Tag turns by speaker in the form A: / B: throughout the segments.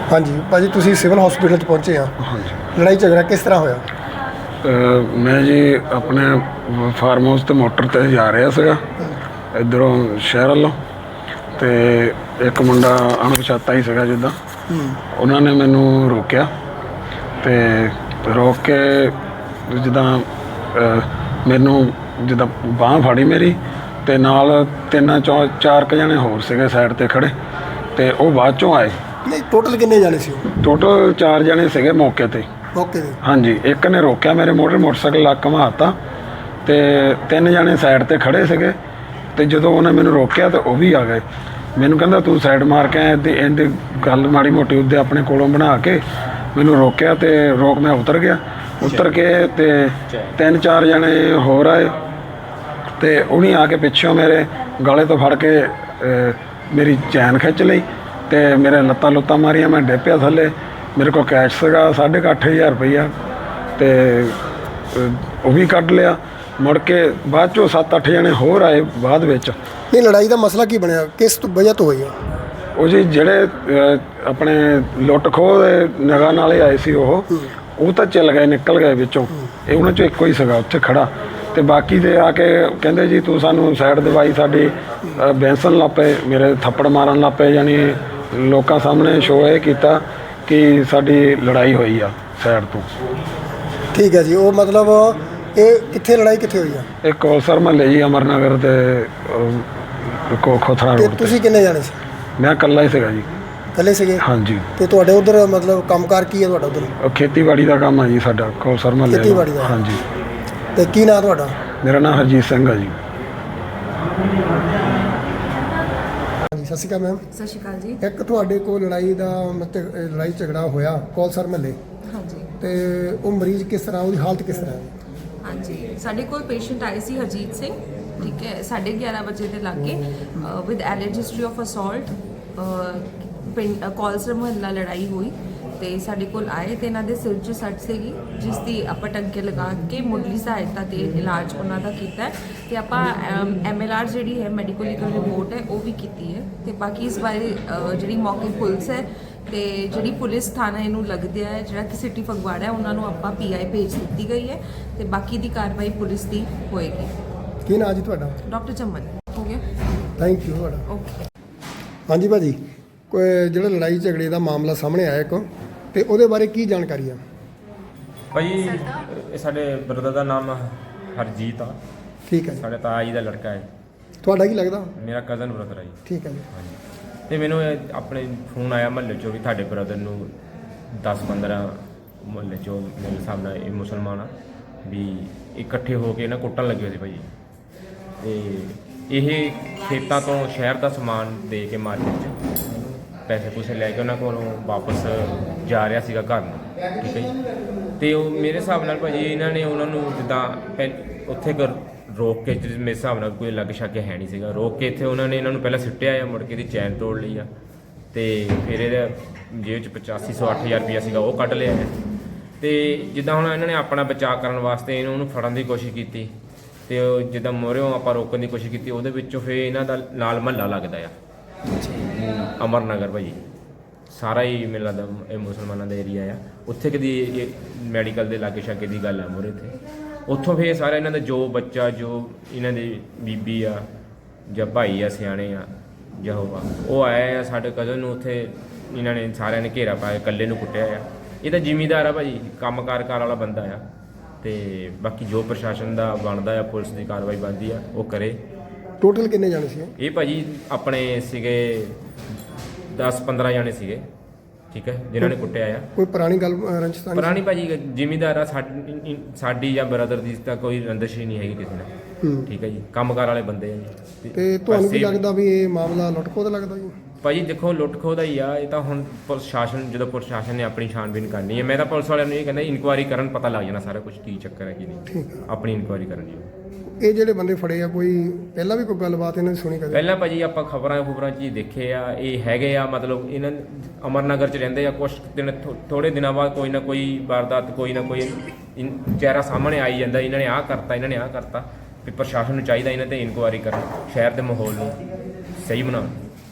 A: हाँ जी भाजी तुसी सिविल हॉस्पिटल पहुंचे हाँ
B: हाँ जी।
A: लड़ाई झगड़ा किस तरह होया?
B: मैं जी अपने फार्म हाउस ਤੇ ਮੋਟਰ ਤੇ ਜਾ ਰਿਹਾ ਸੀਗਾ ਇੱਧਰੋਂ ਸ਼ਹਿਰ ਵੱਲੋਂ ਤੇ ਇੱਕ ਮੁੰਡਾ ਅਣਪਛਾਤਾ ਹੀ ਸੀਗਾ ਜਿੱਦਾਂ ਉਹਨਾਂ ਨੇ ਮੈਨੂੰ ਰੋਕਿਆ ਤੇ ਰੋਕ ਕੇ ਜਿੱਦਾਂ ਮੈਨੂੰ ਜਿੱਦਾਂ ਬਾਂਹ ਫੜੀ ਮੇਰੀ ਤੇ ਨਾਲ ਚਾਰ ਕੁ ਜਣੇ ਹੋਰ ਸੀਗੇ ਸਾਈਡ ਤੇ ਖੜੇ ਤੇ ਉਹ ਬਾਅਦ ਚੋਂ ਆਏ।
A: नहीं टोटल किन्ने जाने सी?
B: ਟੋਟਲ 4 ਜਣੇ ਸੀਗੇ ਮੌਕੇ ਤੇ।
A: ओके जी।
B: ਹਾਂਜੀ, ਇੱਕ ਨੇ ਰੋਕਿਆ ਮੇਰੇ ਮੋਟਰਸਾਈਕਲ ਲਾ ਘੁਮਾਤਾ ਤੇ 3 ਜਣੇ ਸਾਈਡ ਤੇ ਖੜੇ ਸੀਗੇ ਤੇ ਜਦੋਂ ਉਹਨੇ ਮੈਨੂੰ ਰੋਕਿਆ ਤੇ ਉਹ ਵੀ ਆ ਗਏ। ਮੈਨੂੰ ਕਹਿੰਦਾ ਤੂੰ ਸਾਈਡ ਮਾਰ ਕੇ ਆਇਆ ਤੇ ਇਹਦੇ ਗੱਲ ਮਾੜੀ ਮੋਟੀ ਉਹਦੇ ਆਪਣੇ ਕੋਲੋਂ ਬਣਾ ਕੇ ਮੈਨੂੰ ਰੋਕਿਆ ਤੇ ਰੋਕ ਮੈਂ ਉਤਰ ਗਿਆ। ਉਤਰ ਕੇ ਤੇ 3-4 ਜਣੇ ਹੋਰ ਆਏ ਤੇ ਉਹਨੇ ਆ ਕੇ ਪਿੱਛੋਂ ਮੇਰੇ ਗਲੇ ਤੋਂ ਫੜ ਕੇ ਮੇਰੀ ਚੈਨ ਖਿੱਚ ਲਈ ਤੇ ਮੇਰੇ ਲੱਤਾਂ ਲੁੱਤਾਂ ਮਾਰੀਆਂ। ਮੈਂ ਡਿੱਗ ਪਿਆ ਥੱਲੇ। ਮੇਰੇ ਕੋਲ ਕੈਸ਼ ਸੀਗਾ 8,500 ਰੁਪਈਆ ਤੇ ਉਹ ਵੀ ਕੱਢ ਲਿਆ। ਮੁੜ ਕੇ ਬਾਅਦ ਚੋਂ 7-8 ਜਣੇ ਹੋਰ ਆਏ ਬਾਅਦ ਵਿੱਚ।
A: नहीं लड़ाई का मसला की बनया किस वजह तो हुई है?
B: ਉਹ ਜੀ ਜਿਹੜੇ ਆਪਣੇ ਲੁੱਟ ਖੋਹ ਦੇ ਨਿਗਾਹ ਨਾਲ ਹੀ ਆਏ ਸੀ ਉਹ ਤਾਂ ਚੱਲ ਗਏ, ਨਿਕਲ ਗਏ ਵਿੱਚੋਂ। ਇਹ ਉਹਨਾਂ 'ਚੋਂ ਇੱਕੋ ਹੀ ਸੀਗਾ ਉੱਥੇ ਖੜਾ ਤੇ ਬਾਕੀ ਦੇ ਆ ਕੇ ਕਹਿੰਦੇ ਜੀ ਤੂੰ ਸਾਨੂੰ ਸਾਈਡ ਦਵਾਈ ਸਾਡੀ ਬੈਂਸਣ ਲੱਗ ਪਏ, ਮੇਰੇ ਥੱਪੜ ਮਾਰਨ ਲੱਗ ਪਏ। ਯਾਨੀ ਲੋਕਾਂ ਸਾਹਮਣੇ ਸ਼ੋਅ ਇਹ ਕੀਤਾ ਕਿ ਸਾਡੀ ਲੜਾਈ ਹੋਈ ਆ ਸਾਈਡ ਤੋਂ।
A: ठीक है जी। वो मतलब ये कितने लड़ाई कितने हुई है?
B: ਇਹ ਕੌਲਸਰ ਮਹੱਲੇ ਜੀ ਅਮਰਨਗਰ ਤੇ ਖੋਥਰਾ
A: ते
B: ਰੋਡ ਤੇ।
A: तुसी किन्ने जाने सी?
B: ਮੈਂ ਇਕੱਲਾ ਹੀ ਸੀਗਾ ਜੀ।
A: कल्ले सीगे?
B: ਹਾਂਜੀ,
A: ते तुहाडे उधर मतलब कामकार की है तुहाडा उधर?
B: ਉਹ ਖੇਤੀਬਾੜੀ ਦਾ ਕੰਮ ਆ ਜੀ ਸਾਡਾ ਕੌਲਸਰ ਮਹੱਲੇ ਦਾ।
A: ਖੇਤੀਬਾੜੀ ਦਾ?
B: ਹਾਂਜੀ।
A: ते की नाम तुहाडा?
B: ਮੇਰਾ ਨਾਮ ਹਰਜੀਤ ਸਿੰਘ ਆ ਜੀ।
A: ਹਾਂਜੀ ਸਤਿ ਸ਼੍ਰੀ ਅਕਾਲ ਮੈਮ।
C: ਸਤਿ ਸ਼੍ਰੀ ਅਕਾਲ ਜੀ।
A: ਇੱਕ ਤੁਹਾਡੇ ਕੋਲ ਲੜਾਈ ਦਾ ਮਤਲਬ ਲੜਾਈ ਝਗੜਾ ਹੋਇਆ ਕੌਲਸਰ ਮਹੱਲੇ
C: ਹਾਂਜੀ
A: ਤੇ ਉਹ ਮਰੀਜ਼ ਕਿਸ ਤਰ੍ਹਾਂ, ਉਹਦੀ ਹਾਲਤ ਕਿਸ ਤਰ੍ਹਾਂ ਹੈ?
C: ਹਾਂਜੀ, ਸਾਡੇ ਕੋਲ ਪੇਸ਼ੈਂਟ ਆਏ ਸੀ ਹਰਜੀਤ ਸਿੰਘ, ਠੀਕ ਹੈ, 11:30 ਵਜੇ ਦੇ ਲਾਗੇ with alleged history of assault. Kaulsar ਮੁਹੱਲਾ ਲੜਾਈ ਹੋਈ ਤੇ ਸਾਡੇ ਕੋਲ ਆਏ ਤੇ ਇਹਨਾਂ ਦੇ ਸਿਰ 'ਚ ਸੱਟ ਸੀਗੀ ਜਿਸ ਦੀ ਆਪਾਂ ਟੰਕੇ ਲਗਾ ਕੇ ਮੁੱਢਲੀ ਸਹਾਇਤਾ ਤੇ ਇਲਾਜ ਉਹਨਾਂ ਦਾ ਕੀਤਾ ਹੈ ਤੇ ਆਪਾਂ MLR ਜਿਹੜੀ ਹੈ ਮੈਡੀਕਲ ਲੀਗਲ ਰਿਪੋਰਟ ਹੈ ਉਹ ਵੀ ਕੀਤੀ ਹੈ ਤੇ ਬਾਕੀ ਇਸ ਬਾਰੇ ਜਿਹੜੀ ਮੌਕੇ ਪੁਲਿਸ ਹੈ ਤੇ ਜਿਹੜੀ ਪੁਲਿਸ ਥਾਣਾ ਇਹਨੂੰ ਲੱਗਦਿਆ ਹੈ ਜਿਹੜਾ ਕਿ ਸਿਟੀ ਫਗਵਾੜਾ ਹੈ ਉਹਨਾਂ ਨੂੰ ਆਪਾਂ PI ਭੇਜ ਦਿੱਤੀ ਗਈ ਹੈ ਤੇ ਬਾਕੀ ਦੀ ਕਾਰਵਾਈ ਪੁਲਿਸ ਦੀ ਹੋਏਗੀ।
A: ਕੀ ਨਾਂ ਜੀ ਤੁਹਾਡਾ?
C: ਡਾਕਟਰ ਚਮਨ ਹੋ ਗਿਆ।
A: ਥੈਂਕ ਯੂ ਤੁਹਾਡਾ।
C: ਓਕੇ।
A: ਹਾਂਜੀ ਭਾਜੀ, ਕੋਈ ਜਿਹੜਾ ਲੜਾਈ ਝਗੜੇ ਦਾ ਮਾਮਲਾ ਸਾਹਮਣੇ ਆਇਆ ਇੱਕ ਤੇ ਉਹਦੇ ਬਾਰੇ ਕੀ ਜਾਣਕਾਰੀ ਆ?
D: ਭਾਈ ਇਹ ਸਾਡੇ ਬ੍ਰਦਰ ਦਾ ਨਾਮ ਹਰਜੀਤ ਆ।
A: ਠੀਕ ਹੈ ਜੀ।
D: ਸਾਡੇ ਤਾਇਆ ਜੀ ਦਾ ਲੜਕਾ ਹੈ।
A: ਤੁਹਾਡਾ ਕੀ ਲੱਗਦਾ?
D: ਮੇਰਾ ਕਜ਼ਨ ਬ੍ਰਦਰ ਹੈ ਜੀ।
A: ਠੀਕ ਹੈ ਜੀ।
D: ਹਾਂਜੀ। ਤੇ ਮੈਨੂੰ ਇਹ ਆਪਣੇ ਫੋਨ ਆਇਆ ਮਹੱਲੇ 'ਚੋਂ ਵੀ ਤੁਹਾਡੇ ਬ੍ਰਦਰ ਨੂੰ 10-15 ਮਹੱਲੇ 'ਚੋਂ ਮੇਰੇ ਹਿਸਾਬ ਨਾਲ ਇਹ ਮੁਸਲਮਾਨ ਆ ਵੀ ਇਕੱਠੇ ਹੋ ਕੇ ਨਾ ਕੁੱਟਣ ਲੱਗੇ ਹੋਏ ਸੀ ਭਾਈ। ਤੇ ਇਹ ਖੇਤਾਂ ਤੋਂ ਸ਼ਹਿਰ ਦਾ ਸਮਾਨ ਦੇ ਕੇ ਮਾਰਕੀਟ 'ਚ ਪੈਸੇ ਪੂਸੇ ਲੈ ਕੇ ਉਹਨਾਂ ਕੋਲੋਂ ਵਾਪਸ ਜਾ ਰਿਹਾ ਸੀਗਾ ਘਰ ਨੂੰ, ਠੀਕ ਹੈ ਜੀ। ਤੇ ਉਹ ਮੇਰੇ ਹਿਸਾਬ ਨਾਲ ਭਾਜੀ ਇਹਨਾਂ ਨੇ ਉਹਨਾਂ ਨੂੰ ਜਿੱਦਾਂ ਉੱਥੇ ਰੋਕ ਕੇ, ਮੇਰੇ ਹਿਸਾਬ ਨਾਲ ਕੋਈ ਲੱਗ ਸ਼ੱਕ ਹੈ ਨਹੀਂ ਸੀਗਾ, ਰੋਕ ਕੇ ਇੱਥੇ ਉਹਨਾਂ ਨੇ ਇਹਨਾਂ ਨੂੰ ਪਹਿਲਾਂ ਸਿੱਟਿਆ ਆ, ਮੁੜ ਕੇ ਦੀ ਚੈਨ ਤੋੜ ਲਈ ਆ ਤੇ ਫਿਰ ਇਹਦੇ ਜੇਬ 'ਚ 85-8,000 ਰੁਪਈਆ ਸੀਗਾ ਉਹ ਕੱਢ ਲਿਆ ਹੈ। ਤੇ ਜਿੱਦਾਂ ਹੁਣ ਇਹਨਾਂ ਨੇ ਆਪਣਾ ਬਚਾਅ ਕਰਨ ਵਾਸਤੇ ਉਹਨੂੰ ਫੜਨ ਦੀ ਕੋਸ਼ਿਸ਼ ਕੀਤੀ ਤੇ ਉਹ ਜਿੱਦਾਂ ਮੋਹਰਿਓਂ ਆਪਾਂ ਰੋਕਣ ਦੀ ਕੋਸ਼ਿਸ਼ ਕੀਤੀ ਉਹਦੇ ਵਿੱਚੋਂ ਫਿਰ ਇਹਨਾਂ ਦਾ ਨਾਲ ਮਹੱਲਾ ਲੱਗਦਾ ਆ ਅਮਰਨਗਰ ਭਾਜੀ, ਸਾਰਾ ਹੀ ਮੈਨੂੰ ਲੱਗਦਾ ਇਹ ਮੁਸਲਮਾਨਾਂ ਦਾ ਏਰੀਆ ਆ। ਉੱਥੇ ਕਦੀ ਇਹ ਮੈਡੀਕਲ ਦੇ ਲਾਗੇ ਛਾਗੇ ਦੀ ਗੱਲ ਆ ਮੋਰੇ ਤੇ ਉੱਥੋਂ ਫਿਰ ਸਾਰਾ ਇਹਨਾਂ ਦਾ ਜੋ ਬੱਚਾ, ਜੋ ਇਹਨਾਂ ਦੀ ਬੀਬੀ ਆ ਜਾਂ ਭਾਈ ਆ ਸਿਆਣੇ ਆ ਜਾਂ ਉਹ ਆਏ ਆ ਸਾਡੇ ਕਜ਼ਨ ਨੂੰ। ਉੱਥੇ ਇਹਨਾਂ ਨੇ ਸਾਰਿਆਂ ਨੇ ਘੇਰਾ ਪਾਇਆ, ਇਕੱਲੇ ਨੂੰ ਕੁੱਟਿਆ ਆ। ਇਹ ਤਾਂ ਜ਼ਿਮੀਂਦਾਰ ਆ ਭਾਜੀ, ਕੰਮਕਾਰ ਵਾਲਾ ਬੰਦਾ ਆ ਤੇ ਬਾਕੀ ਜੋ ਪ੍ਰਸ਼ਾਸਨ ਦਾ ਬਣਦਾ ਆ, ਪੁਲਿਸ ਦੀ ਕਾਰਵਾਈ ਬਣਦੀ ਆ ਉਹ ਕਰੇ।
A: ਟੋਟਲ ਕਿੰਨੇ ਜਾਣੇ ਸੀ?
D: ਇਹ ਭਾਜੀ ਆਪਣੇ ਸੀਗੇ 10-15 ਜਾਣੇ ਸੀਗੇ, ਠੀਕ ਹੈ, ਜਿਨ੍ਹਾਂ ਨੇ ਕੁੱਟਿਆ ਆ।
A: ਕੋਈ ਪੁਰਾਣੀ ਗੱਲ ਰੰਜਿਸ਼ ਤਾਂ ਨਹੀਂ?
D: ਪੁਰਾਣੀ ਭਾਜੀ ਜ਼ਿਮੀਂਦਾਰ ਆ ਸਾਡੀ ਜਾਂ ਬ੍ਰਦਰ ਦੀ ਤਾਂ ਕੋਈ ਰੰਦਿਸ਼ ਹੀ ਨਹੀਂ ਹੈਗੀ ਕਿਸੇ ਨਾਲ, ਠੀਕ ਹੈ ਜੀ, ਕੰਮਕਾਰ ਵਾਲੇ ਬੰਦੇ ਆ ਜੀ।
A: ਤੇ ਤੁਹਾਨੂੰ ਕੀ ਲੱਗਦਾ ਵੀ ਇਹ ਮਾਮਲਾ ਲੁੱਟ-ਖੋਹ ਦਾ ਲੱਗਦਾ ਜੀ?
D: ਭਾਜੀ ਦੇਖੋ ਲੁੱਟ ਖੋਹ ਦਾ ਹੀ ਆ ਇਹ ਤਾਂ। ਹੁਣ ਪ੍ਰਸ਼ਾਸਨ, ਜਦੋਂ ਪ੍ਰਸ਼ਾਸਨ ਨੇ ਆਪਣੀ ਛਾਣਬੀਨ ਕਰਨੀ ਹੈ, ਮੈਂ ਤਾਂ ਪੁਲਿਸ ਵਾਲਿਆਂ ਨੂੰ ਇਹ ਕਹਿੰਦਾ ਇਨਕੁਆਇਰੀ ਕਰਨ, ਪਤਾ ਲੱਗ ਜਾਣਾ ਸਾਰਾ ਕੁਝ ਕੀ ਚੱਕਰ ਹੈ ਕੀ ਨਹੀਂ। ਆਪਣੀ ਇਨਕੁਆਇਰੀ ਕਰਨੀ ਹੈ।
A: ਇਹ ਜਿਹੜੇ ਬੰਦੇ ਫੜੇ ਆ ਕੋਈ ਪਹਿਲਾਂ ਵੀ ਕੋਈ ਗੱਲਬਾਤ ਇਹਨਾਂ ਦੀ ਸੁਣੀ ਕਦੇ?
D: ਪਹਿਲਾਂ ਭਾਜੀ ਆਪਾਂ ਖਬਰਾਂ 'ਚ ਹੀ ਦੇਖੇ ਆ ਇਹ ਹੈਗੇ ਆ, ਮਤਲਬ ਇਹਨਾਂ ਅਮਰਨਗਰ 'ਚ ਰਹਿੰਦੇ ਆ। ਕੁਛ ਦਿਨ ਥੋੜੇ ਦਿਨਾਂ ਬਾਅਦ ਕੋਈ ਨਾ ਕੋਈ ਵਾਰਦਾਤ, ਕੋਈ ਨਾ ਕੋਈ ਚਿਹਰਾ ਸਾਹਮਣੇ ਆਈ ਜਾਂਦਾ, ਇਹਨਾਂ ਨੇ ਆਹ ਕਰਤਾ, ਇਹਨਾਂ ਨੇ ਆਹ ਕਰਤਾ। ਵੀ ਪ੍ਰਸ਼ਾਸਨ ਨੂੰ ਚਾਹੀਦਾ ਇਹਨਾਂ ਤੇ ਇਨਕੁਆਇਰੀ ਕਰਨ, ਸ਼ਹਿਰ ਦੇ ਮਾਹੌਲ ਨੂੰ ਸਹੀ ਬਣਾਉਣ।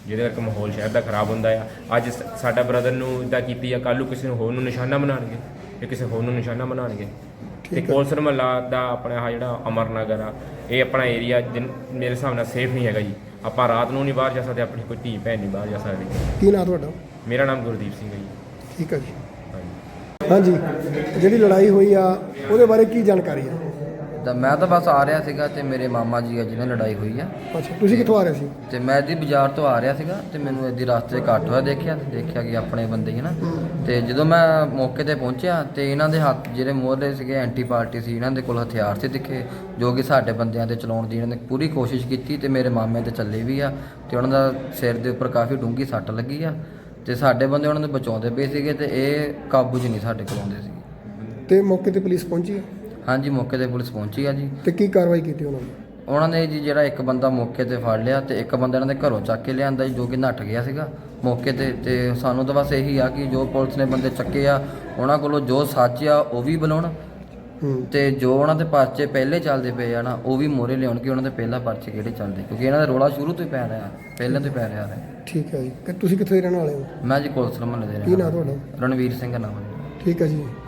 D: ਜਿਹਦੇ ਕਰਕੇ ਮਾਹੌਲ ਸ਼ਹਿਰ ਦਾ ਖਰਾਬ ਹੁੰਦਾ ਆ। ਅੱਜ ਸਾਡਾ ਬ੍ਰਦਰ ਨੂੰ ਇੱਦਾਂ ਕੀਤੀ ਆ, ਕੱਲ੍ਹ ਨੂੰ ਕਿਸੇ ਨੂੰ ਹੋਰ ਨੂੰ ਨਿਸ਼ਾਨਾ ਬਣਾਉਣਗੇ, ਇਹ ਕਿਸੇ ਹੋਰ ਨੂੰ ਨਿਸ਼ਾਨਾ ਬਣਾਉਣਗੇ। ਤੇ ਕੌਂਸਲ ਮਹੱਲਾ ਦਾ ਆਪਣਾ ਆਹ ਜਿਹੜਾ ਅਮਰਨਗਰ ਆ, ਇਹ ਆਪਣਾ ਏਰੀਆ ਮੇਰੇ ਹਿਸਾਬ ਨਾਲ ਸੇਫ ਨਹੀਂ ਹੈਗਾ ਜੀ। ਆਪਾਂ ਰਾਤ ਨੂੰ ਨਹੀਂ ਬਾਹਰ ਜਾ ਸਕਦੇ, ਆਪਣੀ ਕੋਈ ਧੀ ਭੈਣ ਨਹੀਂ ਬਾਹਰ ਜਾ ਸਕਦੀ।
A: ਕੀ ਨਾਂ ਤੁਹਾਡਾ?
D: ਮੇਰਾ ਨਾਮ ਗੁਰਦੀਪ ਸਿੰਘ ਹੈ ਜੀ।
A: ਠੀਕ ਹੈ ਜੀ।
D: ਹਾਂਜੀ।
A: ਹਾਂਜੀ, ਜਿਹੜੀ ਲੜਾਈ ਹੋਈ ਆ ਉਹਦੇ ਬਾਰੇ ਕੀ ਜਾਣਕਾਰੀ ਆ?
E: ਤਾਂ ਮੈਂ ਤਾਂ ਬਸ ਆ ਰਿਹਾ ਸੀਗਾ ਤੇ ਮੇਰੇ ਮਾਮਾ ਜੀ ਆ ਜਿਹਨਾਂ ਲੜਾਈ ਹੋਈ ਆ,
A: ਅੱਛਾ, ਤੁਸੀਂ ਕਿੱਥੋਂ ਆ ਰਹੇ ਸੀ?
E: ਤੇ ਮੈਂ ਇੱਦੀ ਬਾਜ਼ਾਰ ਤੋਂ ਆ ਰਿਹਾ ਸੀਗਾ ਤੇ ਮੈਨੂੰ ਇੱਦੀ ਰਸਤੇ 'ਚ ਇਕੱਠ ਹੋਇਆ ਦੇਖਿਆ ਕਿ ਆਪਣੇ ਬੰਦੇ ਹੀ ਨਾ। ਤੇ ਜਦੋਂ ਮੈਂ ਮੌਕੇ ਤੇ ਪਹੁੰਚਿਆ ਤੇ ਇਹਨਾਂ ਦੇ ਹੱਥ ਜਿਹੜੇ ਮੋਹਰੇ ਸੀਗੇ ਐਂਟੀ ਪਾਰਟੀ ਸੀ, ਇਹਨਾਂ ਦੇ ਕੋਲ ਹਥਿਆਰ ਸੀ ਦਿਖੇ, ਜੋ ਕਿ ਸਾਡੇ ਬੰਦਿਆਂ ਤੇ ਚਲਾਉਣ ਦੀ ਇਹਨਾਂ ਨੇ ਪੂਰੀ ਕੋਸ਼ਿਸ਼ ਕੀਤੀ ਤੇ ਮੇਰੇ ਮਾਮੇ ਤੇ ਚੱਲੇ ਵੀ ਆ ਤੇ ਉਹਨਾਂ ਦਾ ਸਿਰ ਦੇ ਉੱਪਰ ਕਾਫੀ ਡੂੰਘੀ ਸੱਟ ਲੱਗੀ ਆ ਤੇ ਸਾਡੇ ਬੰਦੇ ਉਹਨਾਂ ਨੂੰ ਬਚਾਉਂਦੇ ਪਏ ਸੀਗੇ ਤੇ ਇਹ ਕਾਬੂ 'ਚ ਨਹੀਂ ਸਾਡੇ ਕੋਲ ਆਉਂਦੇ ਸੀ।
A: ਤੇ ਮੌਕੇ ਤੇ ਪੁਲਿਸ ਪਹੁੰਚੀ?
E: ਹਾਂਜੀ, ਮੌਕੇ ਤੇ ਪੁਲਿਸ ਪਹੁੰਚੀ ਆ ਜੀ।
A: ਤੇ ਕੀ ਕਾਰਵਾਈ ਕੀਤੀ ਉਹਨਾਂ ਨੇ?
E: ਉਹਨਾਂ ਨੇ ਜੀ ਜਿਹੜਾ ਇੱਕ ਬੰਦਾ ਮੌਕੇ ਤੇ ਫੜ ਲਿਆ ਤੇ ਇੱਕ ਬੰਦਾ ਇਹਨਾਂ ਦੇ ਘਰੋਂ ਚੱਕ ਕੇ ਲਿਆਂਦਾ ਜੀ, ਜੋ ਕਿ ਨੱਠ ਗਿਆ ਸੀਗਾ ਮੌਕੇ ਤੇ ਸਾਨੂੰ ਤਾਂ ਬਸ ਇਹੀ ਆ ਕਿ ਜੋ ਪੁਲਿਸ ਨੇ ਬੰਦੇ ਚੱਕੇ ਆ ਉਹਨਾਂ ਕੋਲੋਂ ਜੋ ਸੱਚ ਆ ਉਹ ਵੀ ਬੁਲਾਉਣ ਤੇ ਜੋ ਉਹਨਾਂ ਦੇ ਪਰਚੇ ਪਹਿਲੇ ਚੱਲਦੇ ਪਏ ਆ ਨਾ ਉਹ ਵੀ ਮੋਹਰੇ ਲਿਆਉਣ ਕਿ ਉਹਨਾਂ ਦੇ ਪਹਿਲਾ ਪਰਚੇ ਕਿਹੜੇ ਚੱਲਦੇ, ਕਿਉਂਕਿ ਇਹਨਾਂ ਦਾ ਰੋਲਾ ਸ਼ੁਰੂ ਤੋਂ ਹੀ ਪੈ ਰਿਹਾ, ਪਹਿਲਾਂ ਤੋਂ ਹੀ ਪੈ ਰਿਹਾ ਹੈ।
A: ਠੀਕ ਹੈ ਜੀ। ਕਿ ਤੁਸੀਂ ਕਿੱਥੇ ਦੇ ਰਹਿਣ ਵਾਲੇ ਹੋ?
E: ਮੈਂ ਜੀ ਕੋਲਸਰ ਮਹੱਲੇ ਦੇ
A: ਕੀ ਨਾਂ
E: ਰਹਿਣ
A: ਤੁਹਾਡਾ?
E: ਵਾਲਾ। ਰਣਵੀਰ ਸਿੰਘ ਨਾਮ ਹੈ।
A: ਠੀਕ ਹੈ ਜੀ।